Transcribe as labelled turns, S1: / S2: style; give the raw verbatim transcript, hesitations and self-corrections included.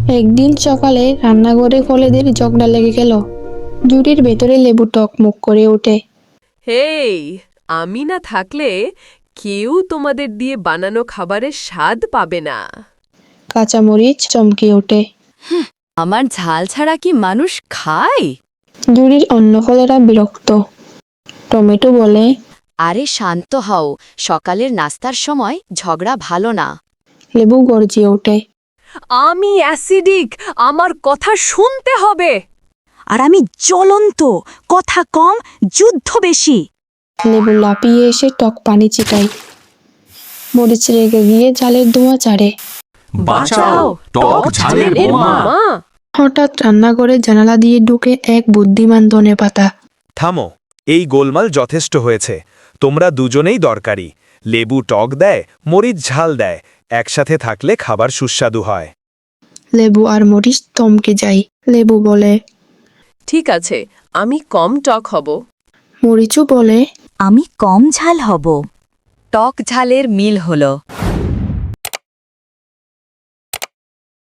S1: একদিন সকালে রান্নাঘরে কলেদের ঝগড়া লেগে গেল। জুড়ির ভেতরে লেবু টকমুক করে ওঠে।
S2: হেই, আমি না থাকলে কেউ তোমাদের দিয়ে বানানো খাবারের স্বাদ পাবে না।
S1: কাঁচামরিচ চমকে ওঠে।
S3: আমার ঝাল ছাড়া কি মানুষ খায়?
S1: জুড়ির অন্য কলেরা বিরক্ত। টমেটো বলে,
S3: আরে শান্ত হও, সকালের নাস্তার সময় ঝগড়া ভালো না।
S1: লেবু গর্জিয়ে ওঠে।
S2: আমি অ্যাসিডিক, আমার কথা শুনতে হবে।
S4: আর আমি জ্বলন্ত, কথা কম, যুদ্ধ বেশি।
S1: লেবু লাফিয়ে এসে টক পানি ছিটায়। মরিচ রেগে গিয়ে জালের ধোঁয়া ছাড়ে।
S5: বাঁচাও, টক ঝালের বোমা।
S2: মা,
S1: হঠাৎ রান্নাঘরে জানালা দিয়ে ঢুকে এক বুদ্ধিমান ধনেপাতা।
S6: থামো, এই গোলমাল যথেষ্ট হয়েছে। তোমরা দুজনেই দরকারি। লেবু টক দেয়, মরিচ ঝাল দেয়। একসাথে থাকলে খাবার সুস্বাদু হয়।
S1: লেবু আর মরিচ থমকে যায়। লেবু বলে,
S2: ঠিক আছে, আমি কম টক হব।
S1: মরিচও বলে,
S4: আমি কম ঝাল হব।
S3: টক ঝালের মিল হলো।